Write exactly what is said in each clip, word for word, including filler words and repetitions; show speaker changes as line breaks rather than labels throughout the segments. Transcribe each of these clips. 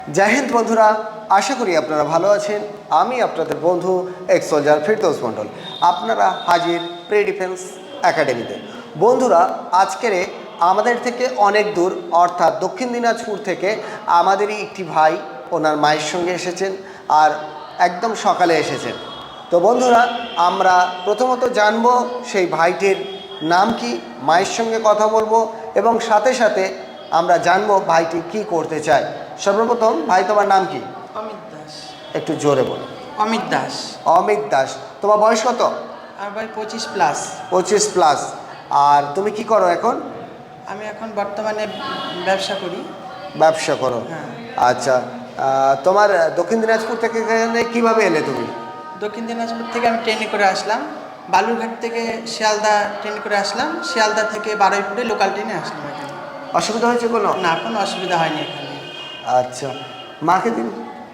জয় হিন্দ বন্ধুরা, আশা করি আপনারা ভালো আছেন। আমি আপনাদের বন্ধু এক্স সোলজার ফিরদৌস মণ্ডল, আপনারা হাজির প্রি ডিফেন্স একাডেমিতে। বন্ধুরা, আজকের আমাদের থেকে অনেক দূর অর্থাৎ দক্ষিণ দিনাজপুর থেকে আমাদেরই একটি ভাই ওনার মায়ের সঙ্গে এসেছেন আর একদম সকালে এসেছেন। তো বন্ধুরা, আমরা প্রথমত জানব সেই ভাইটির নাম কি, মায়ের সঙ্গে কথা বলবো এবং সাথে সাথে আমরা জানবো ভাইটি কি করতে চায়। সর্বপ্রথম ভাই, তোমার নাম কি?
অমিত দাস।
একটু জোরে বলো।
অমিত দাস।
অমিত দাস। তোমার বয়স কত?
আর ভাই পঁচিশ প্লাস।
পঁচিশ প্লাস। আর তুমি কি করো এখন?
আমি এখন বর্তমানে ব্যবসা করি।
ব্যবসা করো?
হ্যাঁ।
আচ্ছা, আহ, তোমার দক্ষিণ দিনাজপুর থেকে এখানে কীভাবে এলে তুমি?
দক্ষিণ দিনাজপুর থেকে আমি ট্রেনে করে আসলাম, বালুরঘাট থেকে শিয়ালদা ট্রেনে করে আসলাম, শিয়ালদা থেকে বারুইপুরে লোকাল ট্রেনে আসলাম এখানে।
অসুবিধা হয়েছে কোনো?
না, কোনো অসুবিধা হয়নি এখানে।
আচ্ছা, মাকে দিন।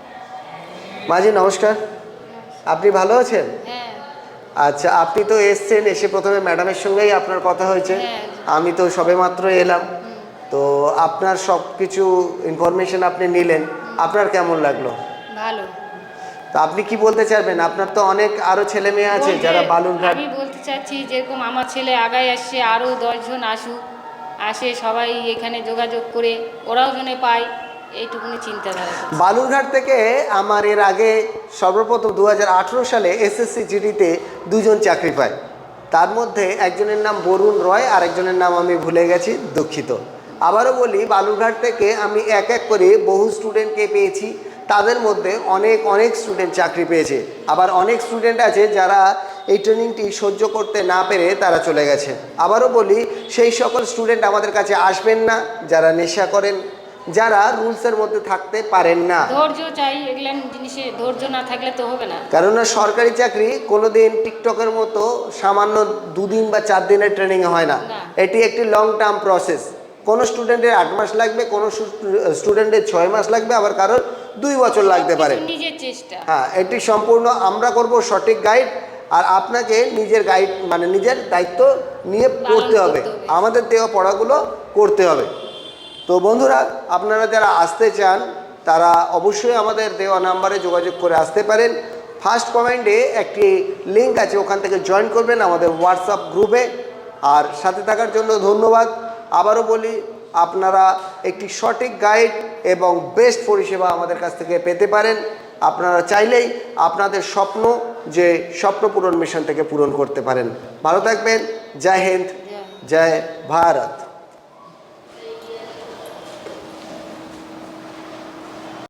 মাজি নমস্কার, আপনি ভালো আছেন?
হ্যাঁ।
আচ্ছা, আপনি তো এসছেন, এসে প্রথমে ম্যাডামের সঙ্গেই আপনার কথা হয়েছে।
হ্যাঁ।
আমি তো সবেমাত্র এলাম, তো আপনার সব কিছু ইনফরমেশন আপনি নিলেন, আপনার কেমন লাগলো?
ভালো।
তো আপনি কি বলতে চাইবেন? আপনার তো অনেক আরো ছেলে মেয়ে আছে
বলতে-
যারা বালুরঘাট।
আমি বলতে চাচ্ছি যেরকম আমার ছেলে আগায় আসছে, আরও দশজন আসুক, আসে সবাই এখানে যোগাযোগ করে ওরাও জনে পায়, এইটুকুনি চিন্তাধারা।
বালুরঘাট থেকে আমার এর আগে সর্বপ্রথম দু হাজার আঠেরো সালে এসএসসি জিডিতে দুজন চাকরি পায়। তার মধ্যে একজনের নাম বরুণ রয় আর একজনের নাম আমি ভুলে গেছি, দুঃখিত। আবারও বলি, বালুরঘাট থেকে আমি এক এক করে বহু স্টুডেন্টকে পেয়েছি, তাদের মধ্যে অনেক অনেক স্টুডেন্ট চাকরি পেয়েছে। আবার অনেক স্টুডেন্ট আছে যারা এই ট্রেনিংটি সহ্য করতে না পেরে তারা চলে গেছে। আবারও বলি, সেই সকল স্টুডেন্ট আমাদের কাছে আসবেন না যারা নেশা করেন, যারা রুলসের মধ্যে থাকতে পারেন না।
ধৈর্য চাই, এগুলো জিনিসে ধৈর্য না থাকলে তো হবে না।
কেননা সরকারি চাকরি কোনোদিন টিকটকের মতো সামান্য দুদিন বা চার দিনের ট্রেনিং হয় না,
না।
এটি একটি লং টার্ম প্রসেস। কোনো স্টুডেন্টের আট মাস লাগবে, কোনো স্টুডেন্টের ছয় মাস লাগবে, আবার কারোর দুই বছর লাগতে পারে।
সবকিছু নিজের চেষ্টা।
হ্যাঁ, এটি সম্পূর্ণ আমরা করব সঠিক গাইড, আর আপনাকে নিজের গাইড মানে নিজের দায়িত্ব নিয়ে পড়তে হবে,
করতে হবে।
আমাদের দেওয়া পড়াগুলো করতে হবে। তো বন্ধুরা, আপনারা যারা আসতে চান তারা অবশ্যই আমাদের দেওয়া নাম্বারে যোগাযোগ করে আসতে পারেন। ফার্স্ট কমেন্টে একটি লিঙ্ক আছে, ওখান থেকে জয়েন করবেন আমাদের হোয়াটসঅ্যাপ গ্রুপে। আর সাথে থাকার জন্য ধন্যবাদ। আবারও বলি, আপনারা একটি সঠিক গাইড এবং বেস্ট পরিষেবা আমাদের কাছ থেকে পেতে পারেন। আপনারা চাইলেই আপনাদের স্বপ্ন যে স্বপ্ন পূরণ মিশন থেকে পূরণ করতে পারেন। ভালো থাকবেন। জয় হিন্দ, জয় ভারত।